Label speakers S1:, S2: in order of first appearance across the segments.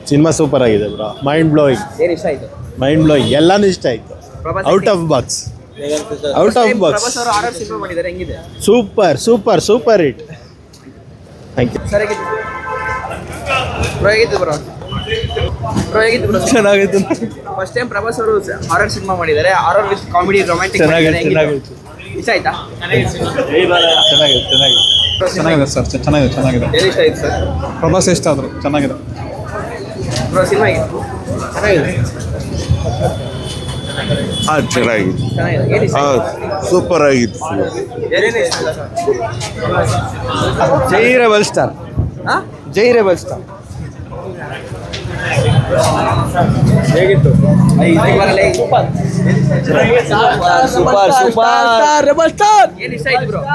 S1: Cinema super ಆಗಿದೆ bro. Mind blowing.
S2: ಏನು ಇಷ್ಟ ಆಯ್ತು?
S1: ಮೈಂಡ್ ಬ್ಲೋಯಿಂಗ್ ಎಲ್ಲಾನು ಇಷ್ಟ ಆಯ್ತು. Out of box. Out of box.
S2: Prabhas ಅವರು ಆರ್ಆರ್ ಸಿನಿಮಾ ಮಾಡಿದ್ದಾರೆ, ಹೆಂಗಿದೆ?
S1: Super super super hit. Thank you.
S2: Sir ಹೇಗಿತ್ತು ಬ್ರೋ? ಹೇಗಿತ್ತು ಬ್ರೋ?
S1: ಚೆನ್ನಾಗಿತ್ತು.
S2: ಫಸ್ಟ್ ಟೈಮ್ ಪ್ರಭಾಸ್ ಅವರು ಹಾರರ್ ಸಿನಿಮಾ ಮಾಡಿದ್ದಾರೆ, ಹಾರರ್ ವಿತ್ ಕಾಮಿಡಿ ರೊಮ್ಯಾಂಟಿಕ್.
S1: ಚೆನ್ನಾಗಿತ್ತು.
S2: ಇಷ್ಟ ಆಯ್ತಾ?
S3: ಚೆನ್ನಾಗಿದೆ ಸರ್, ಚೆನ್ನಾಗಿದೆ.
S2: ಏನು ಇಷ್ಟ ಆಯ್ತು ಸರ್?
S3: ಪ್ರಭಾಸ್ ಇಷ್ಟ ಆದರು, ಚೆನ್ನಾಗಿದೆ
S2: ಬ್ರೋ. ಸಿನಿಮಾ ಹೇಗಿತ್ತು?
S1: ಚೆನ್ನಾಗಿದೆ.
S2: ಏನು ಇಷ್ಟ ಆಯ್ತು?
S1: ಸೂಪರ್ ಆಗಿತ್ತು.
S2: ಏನೇನು ಇಷ್ಟ ಇಲ್ಲ ಸರ್?
S1: ಜೈ ರೆಬಲ್ ಸ್ಟಾರ್.
S2: ಹಾಂ,
S1: ಜೈ ರೆಬಲ್ ಸ್ಟಾರ್.
S2: ಹೇಗಿತ್ತು? ఏం ఇష్ట అయితే బ్రో?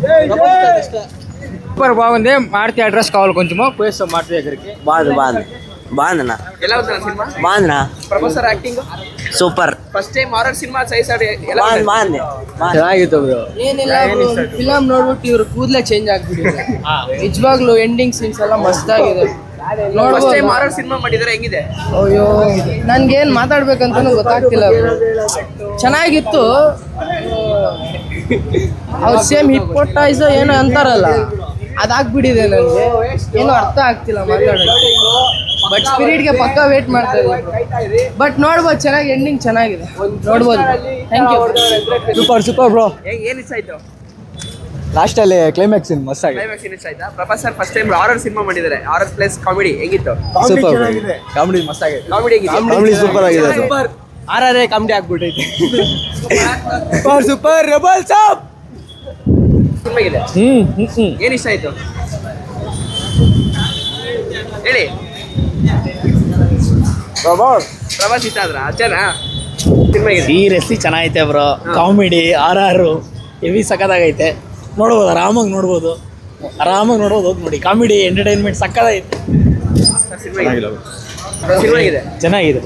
S4: సూపర్ బాగుంది. మారుతి అడ్రస్ కావాలి కొంచెము పోయిస్తాం మారుతి దగ్గరికి.
S5: బాగుందన్న.
S2: ఎలా ఉంది సినిమా?
S5: బాగుందన్న.
S2: Prabhas sir acting
S5: super.
S2: First time horror ಸಿನಿಮಾ చేశాడు, ఎలా ఉంది?
S5: ಬಾಗುಂది.
S4: ಚೆನ್ನಾಗಿತ್ತು ಬ್ರೋ.
S6: ಏನಿಲ್ಲ ಫಿಲಮ್ ನೋಡ್ಬಿಟ್ಟು ಇವ್ರ ಕೂದಲೇ ಚೇಂಜ್ ಆಗ್ಬಿಟ್ಟಿದೆ. ನಿಜವಾಗ್ಲೂ ಎಂಡಿಂಗ್ ಸೀನ್ಸ್ ಎಲ್ಲ ಮಸ್ತ್ ಆಗಿದೆ.
S2: ಫಸ್ಟ್ ಟೈಮ್ ಹಾರರ್ ಸಿನಿಮಾ ಮಾಡಿದ್ರೆ ಹೆಂಗಿದೆ?
S6: ಅಯ್ಯೋ ನನ್ಗೇನ್ ಮಾತಾಡ್ಬೇಕಂತಾನು ಗೊತ್ತಾಗ್ತಿಲ್ಲ bro. ಚೆನ್ನಾಗಿತ್ತು. ಅವ್ರು ಸೇಮ್ ಹಿಪ್ಪೋಟೈಸ್ ಏನೋ ಅಂತಾರಲ್ಲ, ಅದಾಗ್ಬಿಟ್ಟಿದೆ ನನಗೆ. ಏನೋ ಅರ್ಥ ಆಗ್ತಿಲ್ಲ ಮಾತಾಡೋಕ್ಕೆ. ಬಟ್ ಸ್ಪಿರಿಟ್ಗೆ ಪಕ್ಕ ವೇಟ್ ಮಾಡ್ತಾ ಇದ್ದೀನಿ. ಬಟ್ ನೋಡ್ಬೋದು, ಚೆನ್ನಾಗಿ ಎಂಡಿಂಗ್ ಚೆನ್ನಾಗಿದೆ, ನೋಡ್ಬೋದು. Thank you.
S4: Super bro.
S2: ಏನು ಇಷ್ಟ ಆಯ್ತು?
S4: ಲಾಸ್ಟ್ ಅಲ್ಲಿ ಕ್ಲೈಮ್ಯಾಕ್ಸ್ ಮಸ್ತ್ ಆಗಿದೆ.
S2: ಕ್ಲೈಮ್ಯಾಕ್ಸ್ ಇಷ್ಟ ಆಯ್ತಾ? Prabhas sir first time horror ಸಿನಿಮಾ ಮಾಡಿದ್ದಾರೆ, ಹಾರರ್ ಪ್ಲಸ್ ಕಾಮಿಡಿ, ಹೆಂಗಿತ್ತು?
S4: ಸೂಪರ್ ಕಾಮಿಡಿ ಮಸ್ತ್ ಆಗಿದೆ.
S2: ಕಾಮಿಡಿ ಹೆಂಗಿದೆ?
S1: ಕಾಮಿಡಿ ಸೂಪರ್ ಆಗಿದೆ.
S4: ಆರ್ಆರ್ ಕಾಮಿಡಿ ಆಗ್ಬಿಟ್ಟೈತೆ. ಸೂಪರ್ ರೆಬಲ್ ಸಾಬ್.
S2: ಸಿನಿಮಾ ಇದೆ. ಏನು ಇಷ್ಟ ಆಯ್ತು ಹೇಳಿ? ಪ್ರಭಾಸ್ ಇಷ್ಟ ಆದ್ರ? ಅಚ್ಚನಾ ಸಿನಿಮಾ ಇದೆ?
S4: ಸೀರಿಯಸ್ಲಿ ಚೆನ್ನಾಗೈತೆ ಬ್ರೋ. ಕಾಮಿಡಿ ಆರ್ ಹೆವಿ ಸಖತ್ತಾಗೈತೆ. ನೋಡ್ಬೋದು, ಆರಾಮಾಗಿ ನೋಡ್ಬೋದು. ಹೋಗಿ ನೋಡಿ. Comedy entertainment ಸಖತ್ತಾಗೈತೆ.
S2: ಸಿನಿಮಾ ಇದೆ.
S4: ಚೆನ್ನಾಗಿದೆ.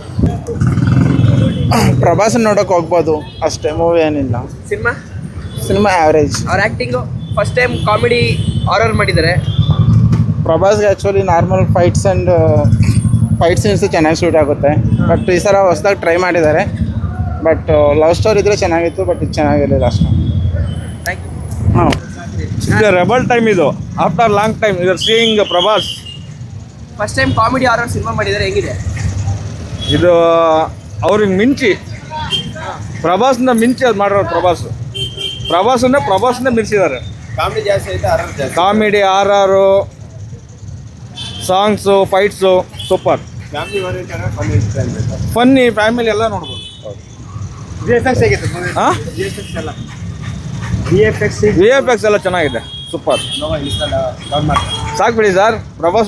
S3: ಪ್ರಭಾಸ್ ನೋಡೋಕೆ ಹೋಗ್ಬೋದು ಅಷ್ಟೇ, ಮೂವಿ ಏನಿಲ್ಲ.
S2: ಸಿನಿಮಾ
S3: ಆ್ಯಾವ್ರೇಜ್.
S2: ಅವ್ರ ಆ್ಯಕ್ಟಿಂಗು ಫಸ್ಟ್ ಟೈಮ್ ಕಾಮಿಡಿ ಹಾರರ್ ಮಾಡಿದ್ದಾರೆ.
S3: ಪ್ರಭಾಸ್ಗೆ ಆ್ಯಕ್ಚುಲಿ ನಾರ್ಮಲ್ ಫೈಟ್ ಸೀನ್ಸ್ ಚೆನ್ನಾಗಿ ಶೂಟ್ ಆಗುತ್ತೆ. ಬಟ್ ಈ ಸಲ ಹೊಸದಾಗಿ ಟ್ರೈ ಮಾಡಿದ್ದಾರೆ. ಬಟ್ ಲವ್ ಸ್ಟೋರಿ ಇದ್ರೆ ಚೆನ್ನಾಗಿತ್ತು, ಬಟ್ ಇದು ಚೆನ್ನಾಗಿರಲಿಲ್ಲ ಅಷ್ಟು.
S1: ಹಾಂ, ಇದು ರೆಬಲ್ ಟೈಮ್. ಇದು after long time you are seeing Prabhas.
S2: First time comedy horror ಸಿನಿಮಾ ಮಾಡಿದ್ದಾರೆ, ಹೆಂಗಿದೆ?
S1: ಇದು ಅವ್ರಿಗೆ ಮಿಂಚಿ, ಪ್ರಭಾಸ್ನ ಮಿಂಚಿ ಅದು ಮಾಡಿರೋರು. ಪ್ರಭಾಸನ್ನೇ ಮಿಂಚಿದ್ದಾರೆ.
S2: ಕಾಮಿಡಿ ಜಾಸ್ತಿ ಐತೆ, ಹಾರರ್ ಜಾಸ್ತಿ.
S1: ಕಾಮಿಡಿ, ಆರ್ಆರು, songs, fights super. Funny, family ಎಲ್ಲ ನೋಡ್ಬೋದು. ಹಾಂ, ವಿ ಎಫ್ ಎಕ್ಸ್ ಎಲ್ಲ ಚೆನ್ನಾಗಿದೆ, ಸೂಪರ್. ಸಾಕು ಬಿಡಿ ಸರ್. ಪ್ರಭಾಸ್